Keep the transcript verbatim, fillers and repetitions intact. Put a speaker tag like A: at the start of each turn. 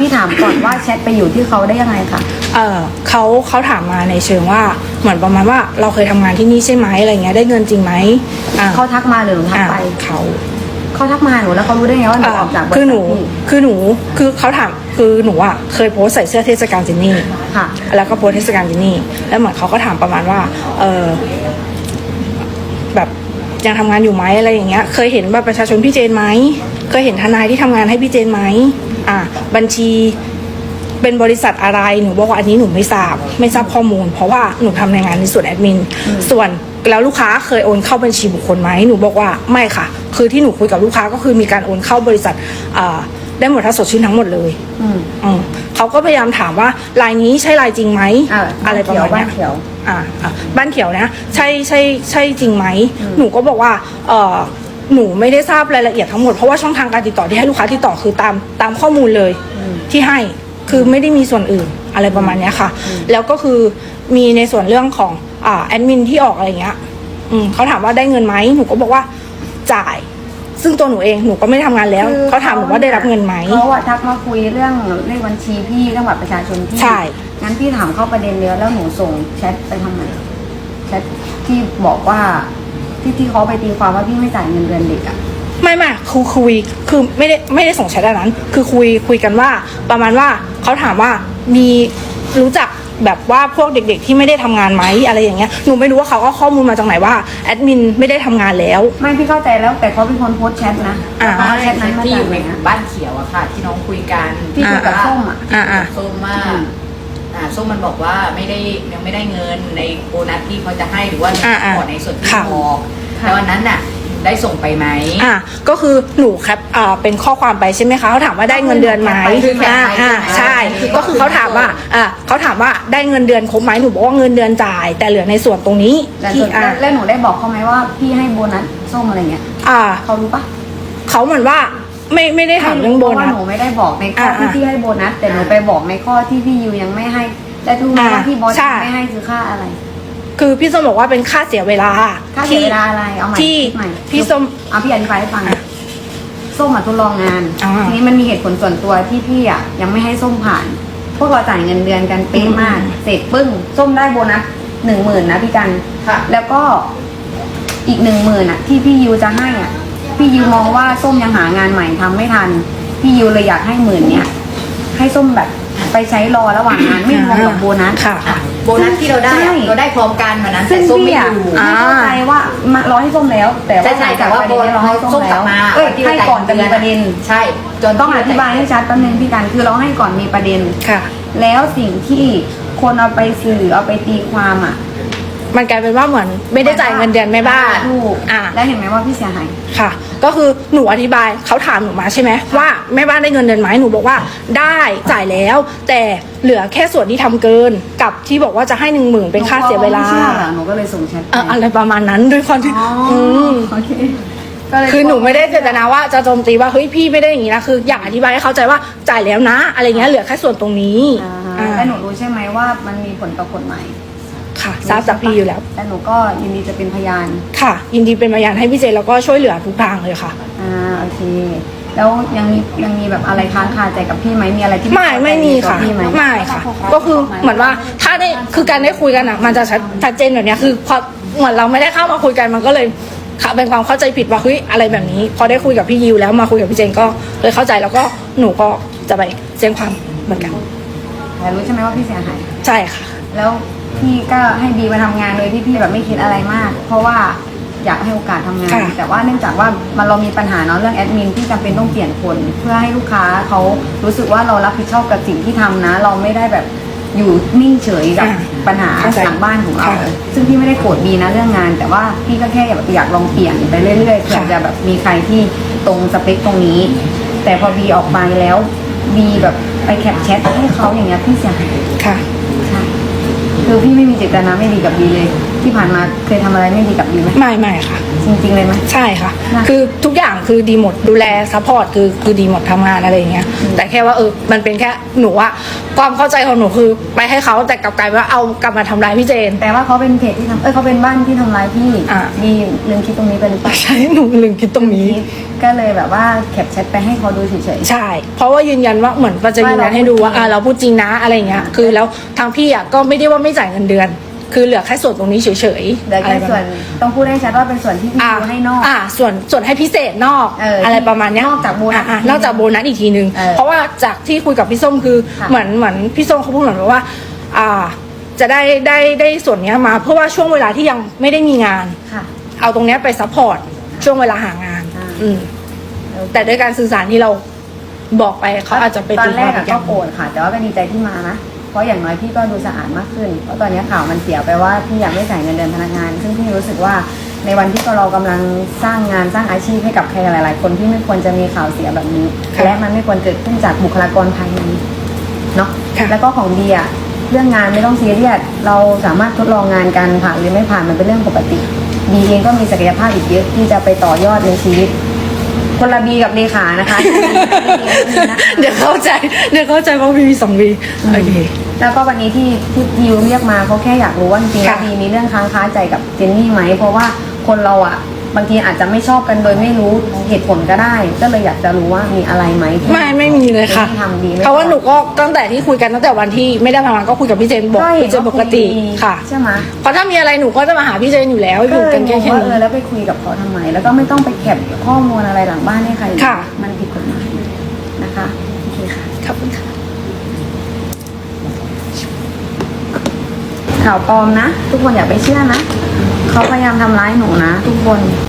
A: พี่ถามก่อนว่าแชทไปอยู่ที่เขาได้ยังไงคะ
B: เออเขาเขาถามมาในเชิงว่าเหมือนประมาณว่าเราเคยทำงานที่นี่ใช่ไหมอะไรเงี้ยได้เงินจริงไหมอ่า
A: เขาทักมาหรือหนูทักไป
B: เขา
A: เขาทักมาหนูแล้วเขารู้ได้ไงว่าหนูออกจากบริษัท
B: คือหนูคือหนูคือเขาถามคือหนูอ่ะเคยโพสใส่เสื้อเทศกาลจินนี่
A: ค่ะ
B: แล้วก็โพสเทศกาลจินนี่แล้วเหมือนเขาก็ถามประมาณว่าเออแบบยังทำงานอยู่ไหมอะไรอย่างเงี้ยเคยเห็นบัตรประชาชนพี่เจนไหมเคยเห็นทนายที่ทำงานให้พี่เจนไหมอ่าบัญชีเป็นบริษัทอะไรหนูบอกว่าอันนี้หนูไม่ทราบไม่ทราบข้อมูลเพราะว่าหนูทำในงานในส่วนแอดมินส่วนแล้วลูกค้าเคยโอนเข้าบัญชีบุคคลไหมหนูบอกว่าไม่ค่ะคือที่หนูคุยกับลูกค้าก็คือมีการโอนเข้าบริษัทอ่าได้หมดทั้งสดชื่นทั้งหมดเลยอืมอืมเขาก็พยายามถามว่าลายนี้ใช่ลายจริงไหม
A: อ,
B: อะไรประมาณนี้
A: บ้านเขียว
B: อ่าอ่าบ้านเขียวนะใช่ใช่ใช่จริงไหมหนูก็บอกว่าเออหนูไม่ได้ทราบรายละเอียดทั้งหมดเพราะว่าช่องทางการติดต่อที่ให้ลูกค้าติดต่อคือตามตามข้อมูลเลยที่ให้คือไม่ได้มีส่วนอื่นอะไรประมาณนี้ค่ะแล้วก็คือมีในส่วนเรื่องของอ่าแอดมินที่ออกอะไรเงี้ยอืมเขาถามว่าได้เงินไหมหนูก็บอกว่าจ่ายซึ่งตัวหนูเองหนูก็ไม่ทำงานแล้วเขาถามหนูว่าได้รับเงินไหม
A: เขาอะทักมาคุยเรื่องเลขบัญชีพี่เรื่องบัตรประชาชนพี่
B: ใช่
A: งั้นพี่ถามเข้าประเด็นเดียวแล้วหนูส่งแชทไปทำไมแชทที่บอกว่าที่ที่เขาไปตีความว่าพี่ไม่จ่ายเงินเดือนเด็กอะ
B: ไม่ไม่คือคุยคือไม่ได้ไม่ได้ส่งแชทอันนั้นคือคุยคุยกันว่าประมาณว่าเขาถามว่ามีรู้จักแบบว่าพวกเด็กๆที่ไม่ได้ทำงานไหมอะไรอย่างเงี้ยหนูไม่รู้ว่าเขาก็ข้อมูลมาจากไหนว่าแอดมินไม่ได้ทำงานแล้ว
A: ไม่พี่เข้าใจแล้วแต่เขาเป็นคนโพสแชทนะ
B: อ่า
A: แชทนั้นมา
C: ที่
A: จากไหน
C: บ้านเขียวอะค่ะที่น้องคุยกัน
A: ที่คุยกับส้มอะ
B: อ่าอ่า
C: ส้มมากอ่าส้มมันบอกว่าไม่ได้ยังไม่ได้เงินในโบนัสที่เขาจะให้หรือว่าขอในส่วนที่พอแล้ววันนั้นน่ะได้ส่งไปไหม
B: อ่าก็คือหนูแคปอ่าเป็นข้อความไปใช่ไหมคะเขาถามว่าได้เงินเดือนไหมอ่าอ่าใช่ก็คือเขาถามว่าอ่าเขาถามว่าได้เงินเดือนครบไหมหนูบอกว่าเงินเดือนจ่ายแต่เหลือในส่วนตรงนี้
A: ที่อ่าแล้วหนูได้บอกเขาไหมว่าพี่ให้โบนัสส้มอะไรเงี้ย
B: อ่า
A: เขารู้ปะ
B: เขาเหมือนว่าไม่ไม่ได้ถามเรื่องโบนัส
A: หนูไม่ได้บอกในข้อที่พี่ให้โบนัสแต่หนูไปบอกในข้อที่พี่ยูยังไม่ให้และรู้ไหมว่าที่บอสไม่ให้คือค่าอะไร
B: คือพี่ส้มบอกว่าเป็นค่าเสียเวลา
A: ค่าเสียเวลาอะไรเอาใหม่
B: ที่พี่ส้ม
A: เอาพี่อธิบายให้ฟังส้มมาทดลองงานทีนี้มันมีเหตุผลส่วนตัวที่พี่อ่ะยังไม่ให้ส้มผ่านพวกเราจ่ายเงินเดือนกันเป๊ะมากเสร็จปึ้งส้มได้โบนัสหนึ่งหมื่นนะพี่กันแล้วก็อีกหนึ่งหมื่นอ่ะที่พี่ยูจะให้อ่ะพี่ยูมองว่าส้มยังหางานใหม่ทำไม่ทันพี่ยูเลยอยากให้หมื่นเนี้ยให้ส้มแบบไปใช้รอระหว่างงานไม่รวมกับโบนัส
B: ค่ะ
C: โบนัสที่เราได้เราได้พร้อมกันวันนั้นแต่ส้มไม่อยู่
A: ไม่เข้าใจว่ามารอให้ส้มแล้วแต่ว่า
C: แต่ว่าโบนัสเราให้ส้มกลับมา
A: เอ้ยให้ก่อนจะมีประเด็น
C: ใช่
A: จนต้องอธิบายให้ชัดแป๊บนึงพี่กันคือเราให้ก่อนมีประเด็น
B: ค่ะ
A: แล้วสิ่งที่คนเอาไปสื่อเอาไปตีความอ่ะ
B: มันกลายเป็นว่าเหมือนไม่ได้จ่ายเงินเดือนแม่บ้าน
A: ถูกอ่ะแล้วเห็นไหมว่าพี่เสียหาย
B: ค่ะก็คือหนูอธิบายเขาถามหนูมาใช่ไหมว่าแม่บ้านได้เงินเดือนไหมหนูบอกว่าได้จ่ายแล้วแต่เหลือแค่ส่วนที่ทำเกินกับที่บอกว่าจะให้หนึ่งหมื่นเป็นค่าเสียเวลา
A: หนูก็เลยส่งแชท
B: อะไรประมาณนั้นด้วยความที่
A: อืมโอเค
B: คือหนูไม่ได้เจตนาว่าจะโจมตีว่าเฮ้ยพี่ไม่ได้อย่างนี้นะคืออยากอธิบายให้เข้าใจว่าจ่ายแล้วนะอะไรเงี้ยเหลือแค่ส่วนตรงนี้
A: แล้วหนูรู้ใช่ไหมว่ามันมีผลต่อกฎหมาย
B: ค่ะทราบจากพี่อยู่แล้ว
A: แต่หนูก็ยินดีจะเป็นพยาน
B: ค่ะยินดีเป็นพยานให้พี่เจแล้วก็ช่วยเหลือทุกทางเลยค่ะ
A: อ่าโอเคแล้วยังมียังมีแบบอะไรค้างคาใจกับพี่ไหมมีอะไรที่
B: ไม่ไม่มีค่ะไม่ค่ะก็คือเหมือนว่าถ้าได้คือการได้คุยกันอ่ะมันจะชัดเจนแบบนี้คือพอเหมือนเราไม่ได้เข้ามาคุยกันมันก็เลยค่ะเป็นความเข้าใจผิดว่าเฮ้ยอะไรแบบนี้พอได้คุยกับพี่ยิวแล้วมาคุยกับพี่เจนก็เลยเข้าใจแล้วก็หนูก็จะไปแจ้งความเหมือนกัน
A: แต่รู้ใช่ไหมว่าพี่เสียหาย
B: ใช่ค่ะ
A: แล้วพี่ก็ให้บีมาทำงานเลยที่พี่แบบไม่คิดอะไรมากเพราะว่าอยากให้โอกาสทำงานแต่ว่าเนื่องจากว่ามันเรามีปัญหาเนาะเรื่องแอดมินที่จำเป็นต้องเปลี่ยนคนเพื่อให้ลูกค้าเขารู้สึกว่าเรารับผิดชอบกับสิ่งที่ทำนะเราไม่ได้แบบอยู่นิ่งเฉยกับปัญหาหลังบ้านของเราซึ่งพี่ไม่ได้โกรธบีนะเรื่องงานแต่ว่าพี่ก็แค่อยากอยากลองเปลี่ยนไปเรื่อยๆเผื่อจะแบบมีใครที่ตรงสเปคตรงนี้แต่พอบีออกมาแล้วบีแบบไปแคปแชทให้เขาอย่างเงี้ยพี่เสียหาย
B: ค่ะ
A: คือพี่ไม่มีเจตนาไม่ดีกับบีเลยที่ผ่านมาเคยทำอะไรไม่ดีกับบีไหม
B: ไม่ไม่ค่ะ
A: จริงๆเลยไหม
B: ใช่ค่ะ
A: นะ
B: คือทุกอย่างคือดีหมดดูแลซัพพอร์ตคือคือดีหมดทำงานอะไรอย่างเงี้ย
A: อืม
B: แต่แค่ว่าเออมันเป็นแค่หนูอะความเข้าใจของหนูคือไปให้เขาแต่กลับกลายเป็นว่าเอากลับมาทำร้ายพี่เจน
A: แต่ว่าเขาเป็นเพจที่ทำเอ้ยเขาเป็นบ้านที่ทำร้ายพี่
B: อ่ะ
A: บีลืมคิดตรงนี้ไปหรือเปล่า
B: ใช่หนูลืมคิดตรงนี้
A: ก็เลยแบบว่าแคปแชทไปให้เขาดูเฉย
B: ใช่ เพราะว่ายืนยันว่าเหมือนก็จะยืนยันให้ดูว่า
A: ว่า
B: อ่า
A: เรา
B: เราพูดจริงนะอะไรอย่างเงี้ย
A: อ่า
B: คือแล้วทางพี่อ่ะก็ไม่ได้ว่าไม่จ่ายเงินเดือน คือเหลือแค่ส่วนตรงนี้เฉยๆ
A: ๆเดี๋ยว
B: อะไร
A: แค่
B: ประ
A: ส่ว
B: มาน ณ
A: ต้องพูดให้ชัดว่าเป็นส่วนที่พี่
B: อ่า
A: ดูให้นอก
B: อ่าส่วนส่วนให้พิเศษนอก
A: เอออ
B: อะไรประมาณเนี้ย
A: นอกจากโบนัส
B: อ่ะนอกจากโบนัสอีกทีนึง
A: เออ
B: เพราะว่าจากที่คุยกับพี่ส้มคือ
A: ค่ะ
B: เหมือนเหมือนพี่ส้มเขาพูดเหมือนว่า อ่า จะได้ได้ได้ส่วนเนี้ยมา เพราะว่าช่วงเวลาที่ยังไม่ได้มีงาน
A: ค่ะ
B: เอาตรงเนี้ยไปซัพพอร์ตช่วงเวลาหางาน
A: อ่า
B: อืมแต่ด้วยการสื่อสารที่เราบอกไปเขาอาจจะไป
A: ตอ
B: ตี
A: นแรก
B: ควา
A: อะ
B: มอี
A: ก็
B: ย่าง
A: โกรธค่ะ แต่ว่าก็ดีใจที่มานะ เพราะอย่างน้อยพี่ก็ดูสะอาดมากขึ้น เพราะตอนนี้ข่าวมันเสียไปว่าพี่อยากไม่จ่ายเงินเดือนพนักงาน ซึ่งพี่รู้สึกว่าในวันที่เรากำลังสร้างงานสร้างอาชีพให้กับใครหลาย ๆ คนที่ไม่ควรจะมีข่าวเสียแบบนี้
B: ค่ะ
A: และมันไม่ควรเกิดขึ้นจากบุคลากรภายในเนาะ
B: ค่ะ
A: แล้วก็ของดีอะเรื่องงานไม่ต้องซีเรียสเราสามารถทดลองงานกันผ่านหรือไม่ผ่านมันเป็นเรื่องปกติบีเองก็มีศักยภาพอีกเยอะที่จะไปต่อยอดในชีวิต คนละบีกับเลขานะคะ
B: เดี๋ยวเข้าใจเดี๋ยวเข้าใจว่ามีสองวีโอเค
A: แล้วก็วันนี้ที่ที่ยิวเรียกมาเขาแค่อยากรู้ว่าจริงๆแล้ว
B: ค่ะ
A: บีมีเรื่องค้างคาใจกับเจนนี่ไหมเพราะว่าคนเราอ่ะบางทีอาจจะไม่ชอบกันโดยไม่รู้เหตุผลก็ได้ ก็เลยอยากจะรู้ว่ามีอะไรไหมที่
B: ไม่ไม่มีเลยค่ะ
A: ที่ทำดีไม่
B: เพราะว่าหนูก็ตั้งแต่ที่คุยกันตั้งแต่วันที่ไม่ได้ทำงานก็คุยกับพี่เจนบอก
A: ก็เห็
B: พี่
A: น
B: เจน
A: ว่า
B: ปกติ
A: คุยดี
B: ค่ะ
A: ใช่ไหม
B: เพราะถ้ามีอะไรหนูก็จะมาหาพี่เจนอยู่แล้วอยู่กันแค่
A: ก็
B: แค่
A: เลยงงว่าเอ
B: นี้
A: อแล้วไปคุยกับเขาทำไม แล้วก็ไม่ต้องไปแคปข้อมูลอะไรหลังบ้านให้ใคร
B: ค่ะ
A: มันผิดกฎหมายนะคะโอเคค่ะ
B: ขอบคุณค่ะ
A: ข่าวปลอมนะ ทุกคนอย่าไปเชื่อนะเขาพยายามทำร้ายหนูนะ ทุกคน